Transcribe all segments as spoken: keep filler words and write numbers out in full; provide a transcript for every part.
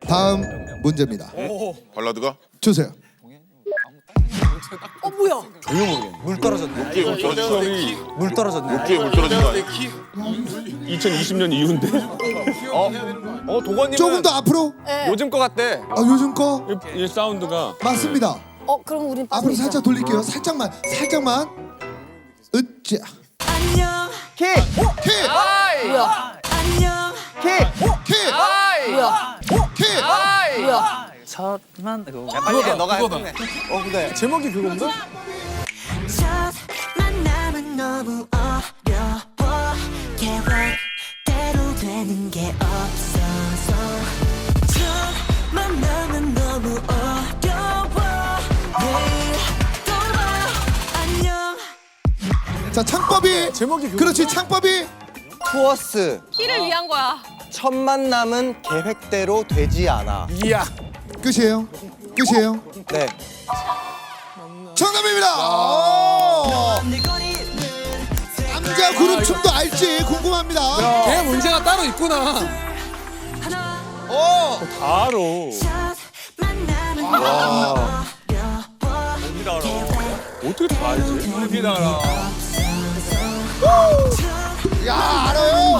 다음 문제입니다. 발라드가? 주세요. 어 뭐야? 물 떨어졌네. 어깨에 물 떨어진 거 물 떨어졌네. 어깨에 물 떨어진 거 아니야? 이천이십 년 이후인데? 어, 어 도건님은 조금 더 앞으로. 네. 요즘 거 같대. 아, 요즘 거 이, 이 사운드가 맞습니다. 어 그럼 우린 앞으로 빠져있자. 살짝 돌릴게요. 살짝만, 살짝만. 으쌰. 키. 키, 뭐야? 키. 키, 뭐야? 키. 뭐야? 첫만 이거. 야, 빨리 해. 너가 해. 어 근데 제목이 그건가? 첫 만남은 너무 어려워 계획대로 되는 게 없어서 첫 만남은 너무 어려워 내일 돌아와 안녕 자, 창법이. 제목이 그거. 그렇지, 창법이. 투어스 키를 위한 거야. 첫 만남은 계획대로 되지 않아. 이야. 끝이에요. 끝이에요. 네. 정답입니다. 오! 남자 그룹 춤도 알지 궁금합니다. 걔 문제가 따로 있구나. 바로 첫 만남은 너무 어려워 어떻게 다 알지? 여기다 알아. 야, 알아요.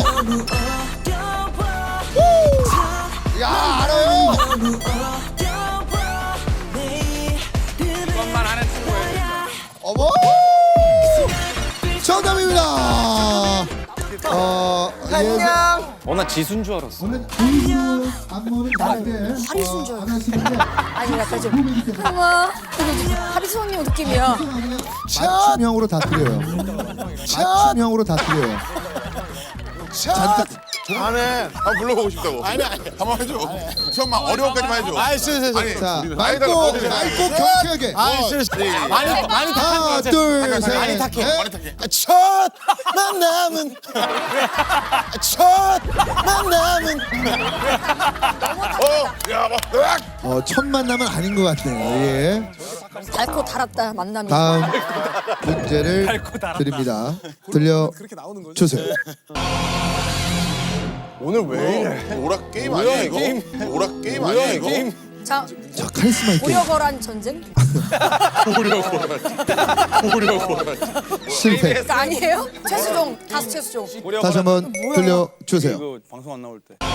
야, 알아요. 그것만 아는 친구예요. 어머. 정답입니다. 어, 안녕. 어 나 지수인 줄 알았어. 오늘 안녕. 안무는 다른데. 하리수인 줄 안 하시는데. 아니 약간 좀 어머 하리수님 느낌이야. 맞춤형으로 다 드려요. 맞춤형으로 다 드려요. 잠깐. 안해. 한번 불러보고 싶다고. 아니 아니. 한번 해줘. 처음만 어려운까지만 해줘. 아이 쓰 쓰. 자, 우리 맑고 나이가 맑고 경쾌하게. 아이 쓰 쓰. 많이 많이 하나, 둘, 셋. 많이 탁해. 넷. 많이 탁해. 첫 만남은 첫 만남은 어, 야, 막, 으악! 어, 첫 만남은 아닌 것 같네요. 예. 달고 달았다 만남이. 다음 문제를 드립니다. 들려 주세요. 오늘 왜 이래? 오락 게임 아니야 이거? 오락 게임 아니야 이거? 자 저 카리스마 있게 오려거란 전쟁? 실패. 그거 아니에요? 최수종 다수 최수종. 다시 한번 들려 주세요. 이거 방송 안 나올 때.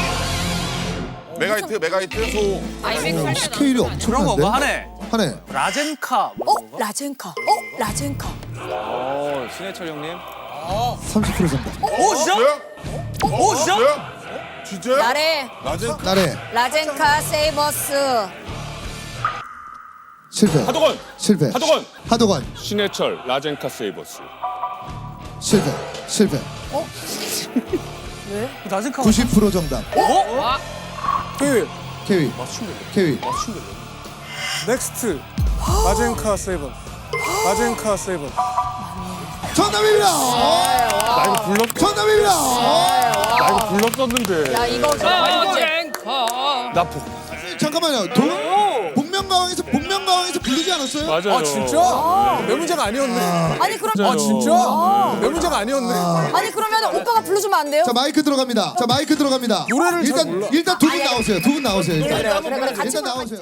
메가히트 메가히트 소. 오, 스케일이 엄청난데. 하네. 하네. 라젠카. 어 라젠카. 어 라젠카. 어 신해철 형님. 삼십 퍼센트 정답. 오 진짜? 뭐야? 오 진짜? 뭐야? 진짜야? 나래 낮은 나래. 라젠카 세이버스. 실패. 하도건! 실패. 하도건! 하도건. 신해철 라젠카 세이버스. 실패. 실패. 왜? 라젠카. 구십 퍼센트 정답. 어? 그 케위. 케위. 넥스트 마젠카 세븐 마젠카 세븐 정답입니다. 나 이거 불렀, 정답입니다. 나 이거 불렀었는데. 야 이거 좀 나 복, 잠깐만요. 도, 복면가왕에서 복면가왕에서 부르지 않았어요? 맞아요. 아 진짜? 내 문제가 아니었네. 아니 그럼 진짜요. 아 진짜? 내 문제가 아니었네. 아니 그러면 오빠가 불러주면 안 돼요? 자, 마이크 들어갑니다. 자, 마이크 들어갑니다. 노래를 잘 일단 몰라. 일단 두 분 나오세요. 두 분 나오세요. 일단. 그래 그래 그래 같이 일단 불러. 나오세요.